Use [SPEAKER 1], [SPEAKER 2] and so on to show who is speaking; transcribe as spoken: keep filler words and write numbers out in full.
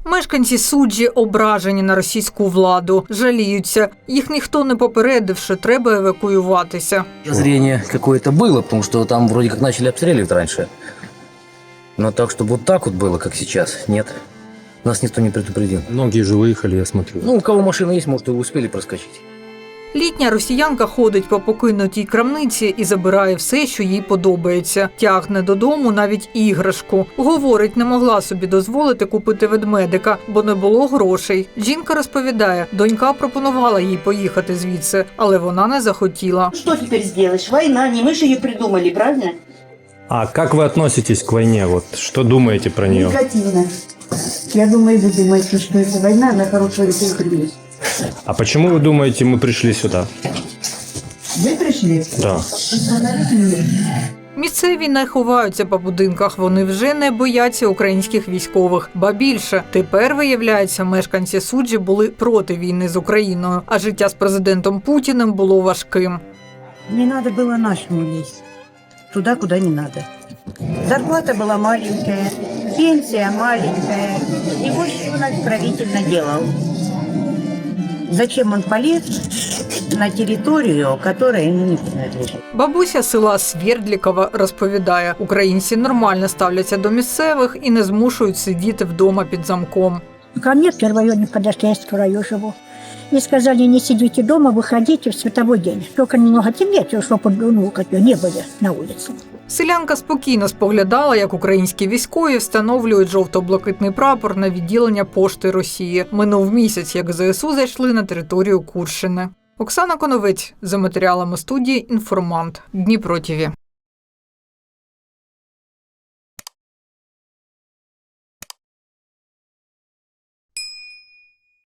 [SPEAKER 1] Мешканці Суджі ображені на російську владу, жаліються. Їх ніхто не попередив, що треба евакуюватися.
[SPEAKER 2] Зрение какое-то было, потому что там вроде как начали обстреливать раньше. Но так, чтобы вот так вот было, как сейчас, нет. Нас никто не предупредил.
[SPEAKER 3] Многие же выехали, я смотрю.
[SPEAKER 2] Ну, у кого машина есть, может, и успели проскочить.
[SPEAKER 1] Літня росіянка ходить по покинутій крамниці і забирає все, що їй подобається. Тягне додому навіть іграшку. Говорить, не могла собі дозволити купити ведмедика, бо не було грошей. Жінка розповідає, донька пропонувала їй поїхати звідси, але вона не захотіла.
[SPEAKER 4] Что теперь сделаешь? Война, не мы же ее придумали, правильно?
[SPEAKER 3] А как вы относитесь к войне? Вот что думаете про нее?
[SPEAKER 4] Негативно. Я думаю, вы думаете, что это война, на хорошего людей.
[SPEAKER 3] А почему вы думаете, мы пришли сюда?
[SPEAKER 4] Вы пришли?
[SPEAKER 3] Да.
[SPEAKER 1] Місцеві не ховаються по будинках, вони вже не бояться українських військових. Ба більше, тепер, виявляється, мешканці Суджі були проти війни з Україною, а життя з президентом Путіним було важким.
[SPEAKER 5] Не надо было нашему лезть туда, куда не надо. Зарплата была маленькая, пенсия маленькая, и вот что наш правитель наделал. Зачем он полез на территорию, которая ему не принадлежит?
[SPEAKER 1] Бабуся села Свердлікова розповідає, українці нормально ставляться до місцевих і не змушують сидіти вдома під замком.
[SPEAKER 6] Ко мне в первоюрне подошли, я в краю живу. И сказали, не сидите дома, выходите в световой день. Только немного темнее, чтобы ну, не были на улице.
[SPEAKER 1] Селянка спокійно споглядала, як українські військові встановлюють жовто-блакитний прапор на відділення пошти Росії. Минув місяць, як зе ес у зайшли на територію Курщини. Оксана Коновець, за матеріалами студії «Інформант», Дніпро ТІВІ.